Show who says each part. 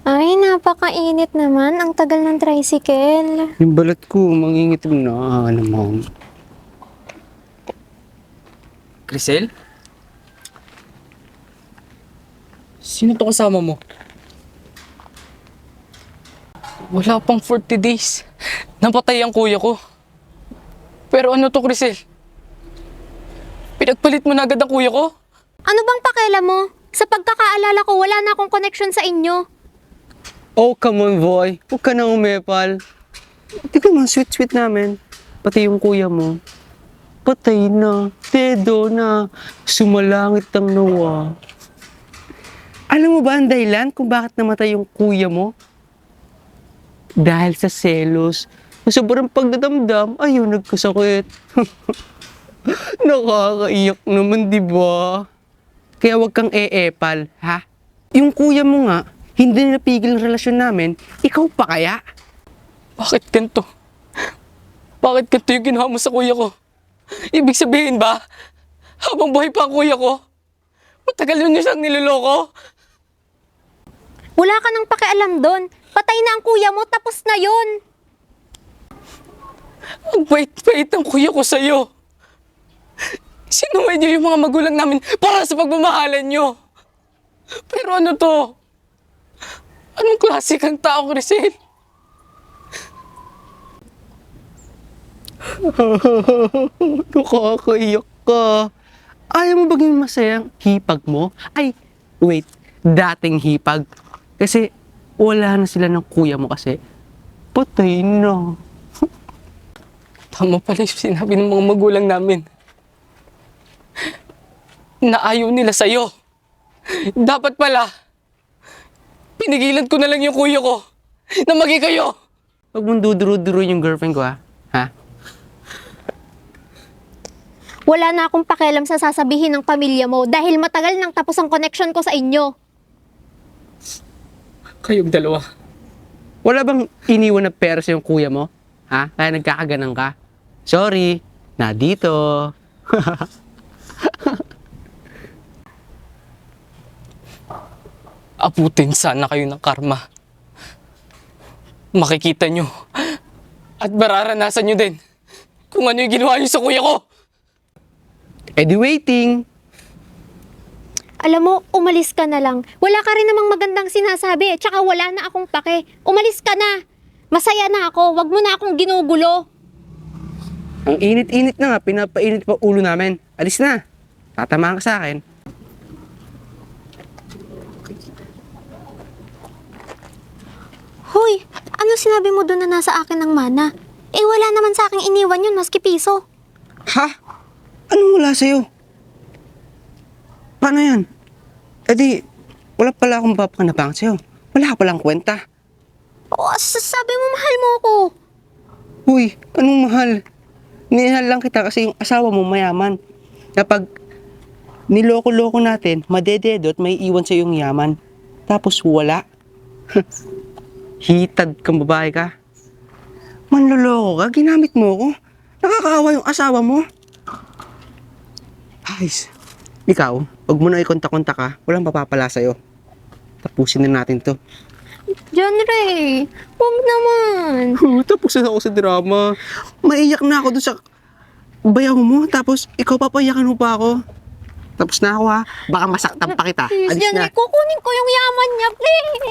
Speaker 1: Ay, napakainit naman. Ang tagal ng tricycle.
Speaker 2: Yung balat ko, mangingitim na naman.
Speaker 3: Crisel? Sino to kasama mo? Wala pang 40 days. Napatay ang kuya ko. Pero ano to, Crisel? Pinagpalit mo na agad ang kuya ko?
Speaker 1: Ano bang pakialam mo? Sa pagkakaalala ko, wala na akong connection sa inyo.
Speaker 2: Oh, come on, boy. Huwag ka na umepal. Tignan mo, sweet-sweet namin. Pati yung kuya mo. Patay na. Dedo na. Sumalangit ang nawa. Alam mo ba ang dahilan kung bakit namatay yung kuya mo? Dahil sa selos. Sa sobrang pagdadamdam, ayun, nagkasakit. Nakakaiyak naman, di ba? Kaya wag kang eepal, ha? Yung kuya mo nga, hindi napigil ang relasyon namin, ikaw pa kaya?
Speaker 3: Bakit ganito? Bakit ganito yung ginawa mo sa kuya ko? Ibig sabihin ba, habang buhay pa ang kuya ko, matagal yun niya siyang niloloko?
Speaker 1: Wala ka nang pakialam doon. Patay na ang kuya mo, tapos na yon.
Speaker 3: Ang bait-bait ng kuya ko sa'yo. Sinuway niyo yung mga magulang namin para sa pagmamahalan niyo. Pero ano to? Anong klase kang tao, Crisel?
Speaker 2: Nakakaiyak ka. Ayaw mo baging masayang hipag mo? Ay, wait, dating hipag. Kasi wala na sila ng kuya mo kasi patay na.
Speaker 3: Tama pala yung sinabi ng mga magulang namin. Na ayaw nila sa'yo. Dapat pala, pinigilan ko na lang yung kuya ko na maging kayo.
Speaker 2: Huwag mong duduro-duro yung girlfriend ko, ha? Ha?
Speaker 1: Wala na akong pakialam sa sasabihin ng pamilya mo dahil matagal nang tapos ang connection ko sa inyo.
Speaker 3: Kayong dalawa.
Speaker 2: Wala bang iniwan na pera sa yung kuya mo? Ha? Kaya nagkakaganang ka? Sorry, na dito.
Speaker 3: Abutin sana kayo ng karma. Makikita nyo at mararanasan nyo din kung ano yung ginawa nyo sa kuya ko.
Speaker 2: Eh di waiting.
Speaker 1: Alam mo, umalis ka na lang. Wala ka rin namang magandang sinasabi, tsaka wala na akong pake. Umalis ka na. Masaya na ako, wag mo na akong ginugulo.
Speaker 2: Ang init-init na nga, pinapainit pa ulo namin. Alis na. Tatamaan ka sa akin.
Speaker 1: Hoy, ano sinabi mo doon na nasa akin ng mana? Eh wala naman sa aking iniwan yun, maski piso.
Speaker 2: Ha? Anong wala sa'yo? Paano yan? Eh di, wala pala akong papanapang sa'yo. Wala ka palang kwenta.
Speaker 1: Oh, sabi mo mahal mo ako.
Speaker 2: Uy, anong mahal? Minahal lang kita kasi yung asawa mo mayaman. Kapag niloko-loko natin, madededot, may iwan sa yung yaman. Tapos wala. Hitad kang babae ka. Manloloko ka, ginamit mo ko. Nakakaawa yung asawa mo. Guys, ikaw, wag mo na ikontak-kontak ka. Walang papapala sa'yo. Tapusin na natin to.
Speaker 1: John Ray, huwag naman.
Speaker 2: Tapos na ako sa drama. Maiyak na ako doon sa bayaw mo. Tapos ikaw papayakan mo pa ako. Tapos na ako ha. Baka masaktan pa kita.
Speaker 1: Please,
Speaker 2: Alis
Speaker 1: John
Speaker 2: na.
Speaker 1: Ray, kukunin ko yung yaman niya, please.